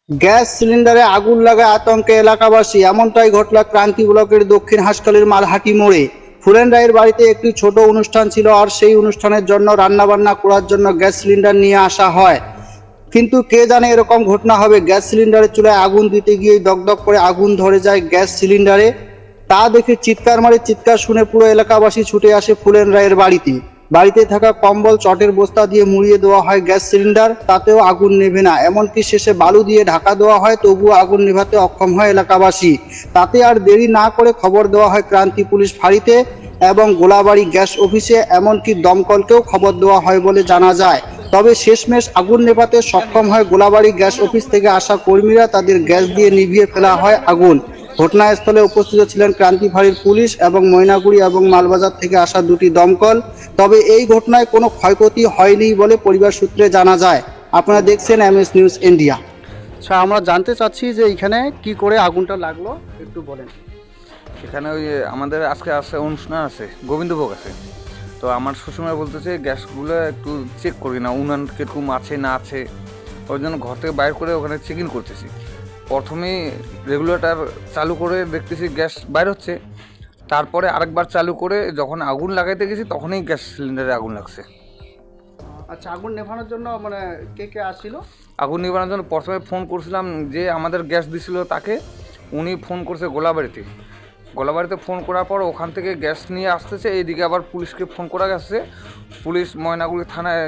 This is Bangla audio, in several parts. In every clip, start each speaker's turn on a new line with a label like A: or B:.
A: গ্যাস সিলিন্ডারে আগুন লাগায় আতঙ্কে এলাকাবাসী। এমনটাই ঘটল ক্রান্তি ব্লকের দক্ষিণ হাসখালির মালহাটি মোড়ে। ফুলেন রায়ের বাড়িতে একটি ছোট অনুষ্ঠান ছিল, আর সেই অনুষ্ঠানের জন্য রান্নাবান্না করার জন্য গ্যাস সিলিন্ডার নিয়ে আসা হয়। কিন্তু কে জানে এরকম ঘটনা হবে। গ্যাস সিলিন্ডারের চুলায় আগুন দিতে গিয়ে দগদগ করে আগুন ধরে যায় গ্যাস সিলিন্ডারে। তা দেখে চিৎকার শুনে পুরো এলাকাবাসী ছুটে আসে ফুলেন রায়ের বাড়িতে। বাড়িতে থাকা কম্বল চটের বস্তা দিয়ে মুড়িয়ে দেওয়া হয় গ্যাস সিলিন্ডার, তাতেও আগুন নেভে না। এমনকি শেষে বালু দিয়ে ঢাকা দেওয়া হয়, তবুও আগুন নেভাতে অক্ষম হয় এলাকাবাসী। তাতে আর দেরি না করে খবর দেওয়া হয় ক্রান্তি পুলিশ ফাঁড়িতে এবং গোলাবাড়ি গ্যাস অফিসে, এমনকি দমকলকেও খবর দেওয়া হয় বলে জানা যায়। তবে শেষমেশ আগুন নেভাতে সক্ষম হয় গোলাবাড়ি গ্যাস অফিস থেকে আসা কর্মীরা। তাদের গ্যাস দিয়ে নিভিয়ে ফেলা হয় আগুন। ঘটনাস্থলে উপস্থিত ছিলেন ক্রান্তি ফাঁড়ির পুলিশ এবং ময়নাগুড়ি এবং মালবাজার থেকে আসা দুটি দমকল। তবে এই ঘটনায় কোনো ক্ষয়ক্ষতি হয়নি বলে পরিবার সূত্রে জানা যায়। আপনারা দেখছেন MS নিউজ ইন্ডিয়া। আচ্ছা, আমরা জানতে চাচ্ছি যে এখানে কি করে আগুনটা লাগলো, একটু বলেন।
B: এখানে ওই আমাদের আজকে অনুষ্ঠান আছে, গোবিন্দভোগ আছে। তো আমার শ্বশুরমা বলতেছে গ্যাসগুলো একটু চেক করি না, উনান কিরকম আছে না আছে। ওই জন্য ঘর থেকে বাইর করে ওখানে চেক ইন করতেছি। প্রথমেই রেগুলেটর চালু করে দেখতেছি গ্যাস বাইর হচ্ছে। তারপরে আরেকবার চালু করে যখন আগুন লাগাইতে গেছি তখনই গ্যাস সিলিন্ডারে আগুন লাগছে।
A: আচ্ছা, আগুন নেভানোর জন্য মানে কে কে আসছিল?
B: আগুন নিবানোর জন্য প্রথমে ফোন করছিলাম, যে আমাদের গ্যাস দিছিল তাকে। উনি ফোন করছে গোলাবাড়িতে ফোন করার পর ওখান থেকে গ্যাস নিয়ে আসতেছে। এইদিকে আবার পুলিশকে ফোন করা গেছে। পুলিশ ময়নাগুড়ি থানায়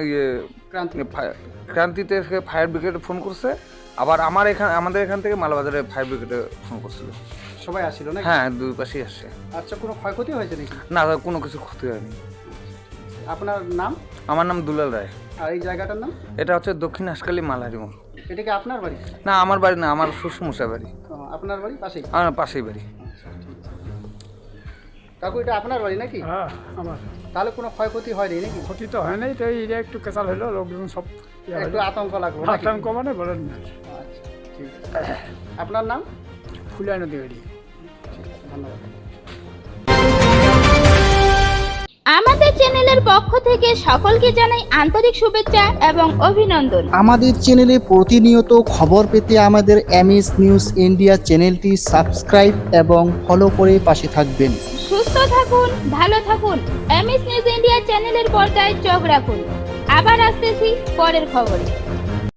B: ক্রান্তিতে ফায়ার ব্রিগেডে ফোন করছে। আবার আমাদের এখান থেকে মালবাজারে ফায়ার ব্রিগেডে ফোন করছিল।
A: সবাই আসছিল না?
B: হ্যাঁ, দুই পাশেই আসছে।
A: আচ্ছা, কোনো ক্ষয়ক্ষতি হয়েছে নাকি?
B: না, কোনো কিছু ক্ষতি হয়নি।
A: আপনার নাম?
B: আমার নাম দুলাল রায়।
A: আর এই জায়গাটার নাম?
B: এটা হচ্ছে দক্ষিণ হাসখালি মালহাটি মোড়।
A: এটা কি আপনার বাড়ি?
B: না, আমার বাড়ি না, আমার শ্বশুরমশাই বাড়ি।
A: আপনার বাড়ি পাশেই?
B: আমার পাশেই বাড়ি।
A: কাকু, এটা আপনার বাড়ি নাকি?
C: হ্যাঁ, আমার।
A: তাহলে কোনো ক্ষয়ক্ষতি হয়নি নাকি?
C: ক্ষতি তো হয় নাই, তো এটা একটু কেঁচাল হলো, লোকজন সব
A: একটু আতঙ্ক লাগলো নাকি?
C: আতঙ্ক মানে বলেন না।
A: আচ্ছা, ঠিক আছে। আপনার নাম?
C: ফুলাই নদী বাড়ি।
A: ধন্যবাদ।
D: আমাদের চ্যানেলের পক্ষ থেকে সকলকে জানাই আন্তরিক শুভেচ্ছা এবং অভিনন্দন।
A: আমাদের চ্যানেলে প্রতিনিয়ত খবর পেতে আমাদের MS নিউজ ইন্ডিয়া চ্যানেলটি সাবস্ক্রাইব এবং ফলো করে পাশে থাকবেন।
D: সুস্থ থাকুন, ভালো থাকুন। MS নিউজ ইন্ডিয়া চ্যানেলের পর্দায় চোখ রাখুন। আবার আসতেছি পরের খবরে।